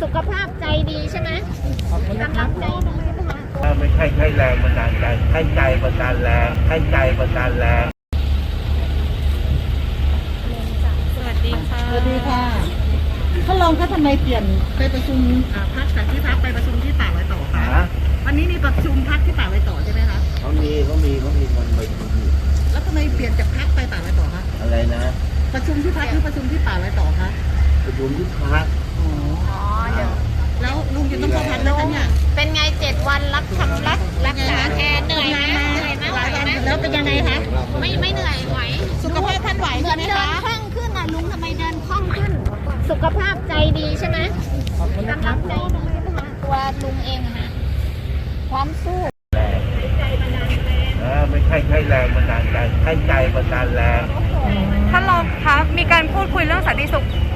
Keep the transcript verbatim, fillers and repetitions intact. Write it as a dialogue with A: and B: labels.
A: สุขภาพใจดีใช่ไหมกำลังใจดีใช่ไหมคะ
B: ไม่ใช่ใช้แรงบันดาลใจให้ใจบันดาลแรงให้ใจบันดาลแรง
A: สวัสดีค่ะ
C: สวัสดีค่ะท่านรองคะทำไมเปลี่ยนไปประชุมพักจากที่พักไปประชุมที่ป่าไว้ต่อคะวันนี้มีประชุมพักที่ป่าไว้ต่อใช่ไหมคะ
B: เขามีเขามีเขามีคนไปอยู่
C: แล้วทำไมเปลี่ยนจากพักไปป่าไว้ต่อคะ
B: อะไรนะ
C: ประชุมที่พักหรือประชุมที่ป่าไว้ต่อคะ
B: ประชุมที่พัก
A: อ๋อเดี๋ยว
C: แล้วลุงจะต้องเข้าพักไหมคะเนี่ย
A: เป็นไงเจ็ดวันรับทำรักรักษาแทนเหนื่อยไหมเหนื่อยไหมไหวไหม
C: แล้วเป็นยังไงคะ
A: ไม่ไม่เหนื่อยไหว
C: สุขภาพท่านไหว
A: เหมือนเดินคล่องขึ้นอ่ะลุงทำไมเดินคล่องขึ้นสุขภาพใจดีใช่ไหมกำลังใจดีใช่ไหมคะตัวลุงเองนะพร้อมสู้
B: แรงไม่ใช่ใช้แรงบันดาลใจให้ใจบันดาลแรง
D: ท่านรองคะมีการพูดคุยเรื่องสันติสุข